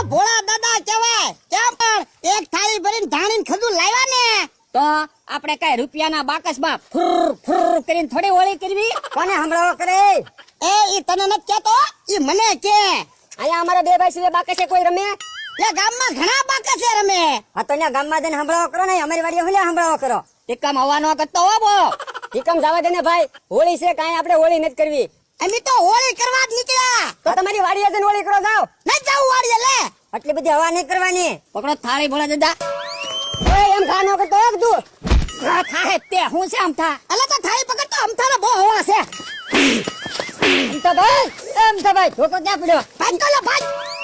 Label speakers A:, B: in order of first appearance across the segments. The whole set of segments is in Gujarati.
A: ભોળા દાદા કહેવાય. કેમ પણ એક થાળી ભરીને ધાણીને ખજૂર લાવ્યા ને
B: તો આપણે કઈ રૂપિયાના બાકસમાં ફુર ફુર કરીને થોડી હોળી કરવી?
C: કોને હમણાં કરે?
A: ઈ તને નથી કેતો, ઈ મને કે.
C: અહીંયા અમારા બે ભાઈ સિવાય બાકસે કોઈ રમે?
A: એ ગામમાં ઘણા બાકસે રમે.
C: હા તો ત્યાં ગામમાં જઈને હમણાં કરો ને, અમારી વાડીએ હું હમણાં કરો.
B: ટીકમ હવા નો કરતો હો બો.
C: ઠીકમ જવા દે ને ભાઈ, હોળી છે કાંઈ આપણે હોળી નથી કરવી.
A: અમે તો હોળી કરવા જ નીકળ્યા.
C: તો તમારી વાડીએ જઈને હોળી કરો જાવ.
A: ન જાવ વાડીએ લે.
C: આટલી બધી હવા નહીં કરવાની.
B: પકડો થાળી ભોળા દાદા.
C: ઓય એમ ખાનો કરતો એક તું.
B: આ થાહે તે હું છે આમ થા.
A: અલે તો થાળી પકડ તો અમથાને બહુ હવા છે.
C: એમ તો ભાઈ ધોકો ક્યાં પડ્યો?
A: ભાઈ કોલો ભાઈ.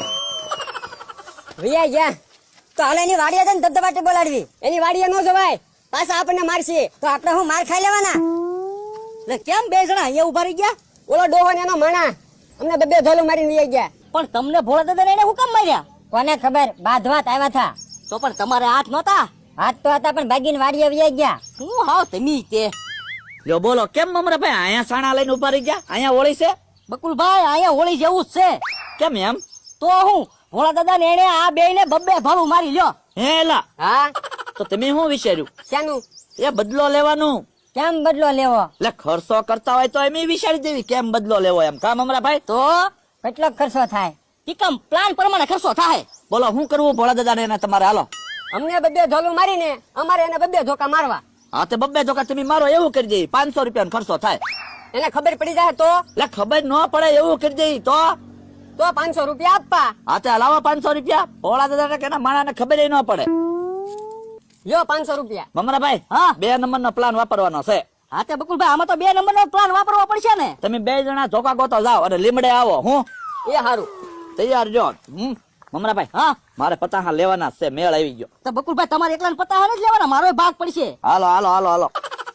C: વિયા ગયા તો હાલે એની વાડીએ જઈને ધબધબાટી બોલાડવી. એની વાડીએ ન જવાય, પાછા આપણને મારશે તો આપણે હું માર ખાઈ લેવાના.
B: એટલે કેમ બે જણા અહીંયા ઉભા રહી ગયા?
C: ઓલો ડોહો ને એનો માણા અમને બે ધોલું મારીને વિયા ગયા.
B: પણ તમને ભોળા દાદા એને હું કામ માર્યા?
C: કોને ખબર, બાંધવાત આવ્યા હતા.
B: તો પણ તમારે હાથ નહોતા?
C: હાથ તો હતા પણ ભાગીને વાડીએ વિયા ગયા.
B: હું હાવ તમે તે.
D: લ્યો બોલો, કેમ મમરાભાઈ અહીંયા સાણા લઈને ઉભા રહી ગયા? અહીંયા હોળી છે?
B: બકુલભાઈ અહીંયા હોળી જેવું જ છે.
D: કેમ એમ?
B: તો હું ભોળા દાદા ને એને આ બે ને બબ્બે ભાળું મારી લ્યો.
D: હે એલા,
C: હા
D: તો તમે શું વિચાર્યું?
C: શાનું?
D: એ બદલો લેવાનું.
C: કેમ બદલો લેવો?
D: એટલે ખર્ચો કરતા હોય તો એમ વિચારી દેવી કેમ બદલો લેવો એમ. કા મમરાભાઈ?
B: તો
C: કેટલો ખર્ચો થાય?
B: ટીકમ પ્લાન પ્રમાણે ખર્ચો થાય.
D: બોલો શું કરવું ભોળા દાદા ને તમારે? હાલો.
C: અમને બે ધોલું મારીને અમારે એને બે ધોકા મારવા.
D: હા તે બબ્બે ધોકા તમે મારો એવું કરી દે, 500 રૂપિયાનો ખર્ચો થાય.
C: એને ખબર પડી જાય તો?
D: એટલે ખબર ન પડે એવું કરી દે તો
C: 500 રૂપિયા આપવા.
D: હા તે હલાવો 500 રૂપિયા. ભોળા દાદા કે માણા ને ખબર ન પડે.
C: લ્યો 500 રૂપિયા.
D: મમરાભાઈ,
B: હા
D: 2 નંબરનો પ્લાન વાપરવાનો છે.
B: હા તે બકુલભાઈ આમાં તો 2 નંબરનો પ્લાન વાપરવો પડશે ને.
D: તમે 2 જણા ધોકા ગોતો જાઓ અને લીમડે આવો. હું
C: એ હારું.
D: તૈયાર જો. મમરાભાઈ,
B: હા
D: મારે પતાહા લેવાના છે, મેળ આવી ગયો.
B: તો બકુલભાઈ તમારે એકલાને પતા નથી લેવાના, મારો ભાગ પડશે.
D: હાલો હાલો હાલો હાલો.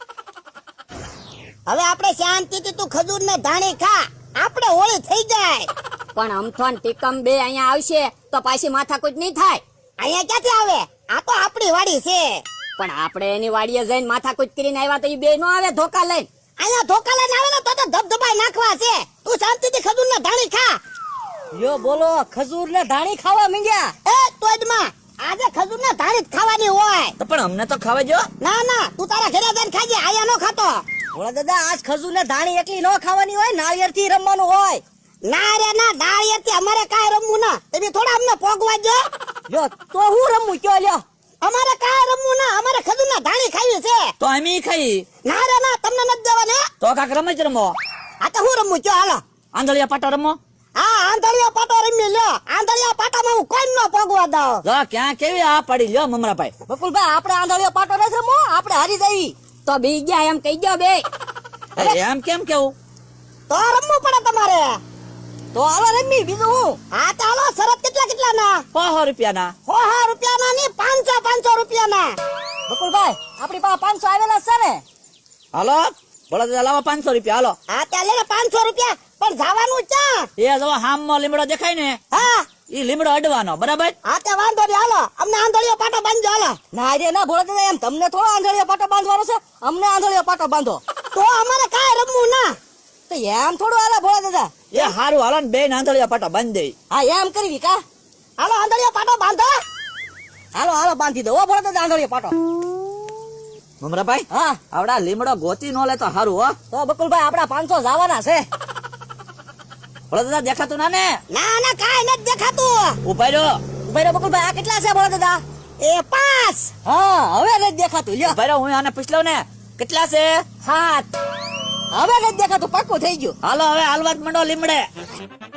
A: હવે આપણે શાંતિથી તું ખજૂર ને ધાણી ખા, આપણે હોળી થઈ જાય.
B: પણ અમથોન ટીકમ બે અહીંયા આવશે તો પાછી માથાકૂટ નહીં થાય.
A: અહીંયા ક્યાંથી આવે? આ તો આપણી વાડી છે.
B: પણ આપણે એની વાડીએ જઈને માથાકૂટ કરીને આવ્યા તો એ બે નો આવે ધોકા લઈને.
A: અહીંયા ધોકા લઈને આવે ને તો ધબધબાઈ નાખવા છે. તું શાંતિથી ખજૂર ને ધાણી ખા.
B: યો બોલો, ખજૂર ને ધાણી ખાવા માંગ્યા.
A: એ તોજમાં આજે ખજૂર ને ધાણી જ ખાવાની હોય.
D: તો પણ અમને તો ખાવા જો.
A: ના ના, તું તારા ઘરે જઈને ખાજે, આયા નો ખાતો.
B: ભોળા દાદા આજ ખજૂર ને ધાણી એકલી નો ખાવાની હોય, નાળિયેર થી રમવાનું હોય.
A: ના રે ના, દાળિયેથી અમારે કાંઈ રમવું ના. તમે થોડા અમને પોગવા જો.
B: જો તો હું રમું કયો લ્યો.
A: અમારે કાંઈ રમવું ના, અમારે ખજૂર ના ધાણી ખાવી છે.
D: તો અમે ખાઈ.
A: ના રે ના, તમને નથી જવાને.
D: તો કાક રમત રમો.
A: આ તો હું રમવું કયો, હાલો.
D: આંધળિયા પાટા રમો.
A: હા, આંધળિયા પાટો રમી લ્યો. આંધળિયા પાટામાં હું કોઈ ન પોગવા દઉં.
D: જો ક્યાં કેવી આ પડી લ્યો મમરાભાઈ.
B: બકુલભાઈ આપણે આંધળીઓ પાટો નથી રમવો, આપણે હારી જઈ. તો બી ગયા એમ કહી ગયો બે.
D: એમ કેમ કેવું?
A: તો રમવું પડે તમારે.
B: તો હાલો રમી, બીજું હું.
A: હા તો હાલો, શરત કેટલા ના?
D: 500 રૂપિયાના.
A: 100 રૂપિયાના ની 500 રૂપિયાના.
B: બકુલભાઈ આપણી પાસે 500 આવેલા છે ને.
D: હાલો ભોળા દાદા લાવો 500 રૂપિયા. હાલો.
A: હા ત્યાં લે 500 રૂપિયા, પણ જવાનું ક્યાં?
D: એ જો હામમાં લીમડો દેખાય ને,
A: હા
D: ઈ લીમડો અડવાનો, બરાબર?
A: હા તે વાંધો નહીં, હાલો અમને આંધળીયો પાટો બાંધજો, હાલો.
B: ના રે ના ભોળા દાદા, એમ તમને થોડો આંધળીઓ પાટો બાંધવાનો છે, અમને આંધળીઓ પાટો બાંધો.
A: તો અમારે કાંઈ રમવું ના.
B: તો એમ થોડું હાલે ભોળા દાદા.
D: એ હારું હાલો ને, 2 આંધળિયા પાટા બાંધી દઈ.
B: હા એમ કરવી કા.
A: હાલો આંધળીયો પાટો બાંધો.
B: હાલો હાલો બાંધી દો ભોળા દાદા આંધળીઓ પાટો.
D: મમરાભાઈ,
B: હા
D: આવડા લીમડો ગોતી નો લે તો હારું હો.
B: તો બકુલભાઈ આપડા 500 જવાના છે.
D: ભોળા દાદા દેખાતું ના ને?
A: ના ના, કાંઈ નથી દેખાતું.
D: ઉભા રહ્યો.
B: ઉભા રહો બકુલભાઈ, આ કેટલા છે ભોળા દાદા?
A: એ 5.
B: હા હવે નથી દેખાતું લ્યો.
D: ઉભા રહ્યો, હું આને પૂછ ને કેટલા છે.
B: 7. હવે નથી દેખાતું, પાક્કું થઈ ગયું.
D: હાલો હવે હાલવા જ મંડો લીમડે.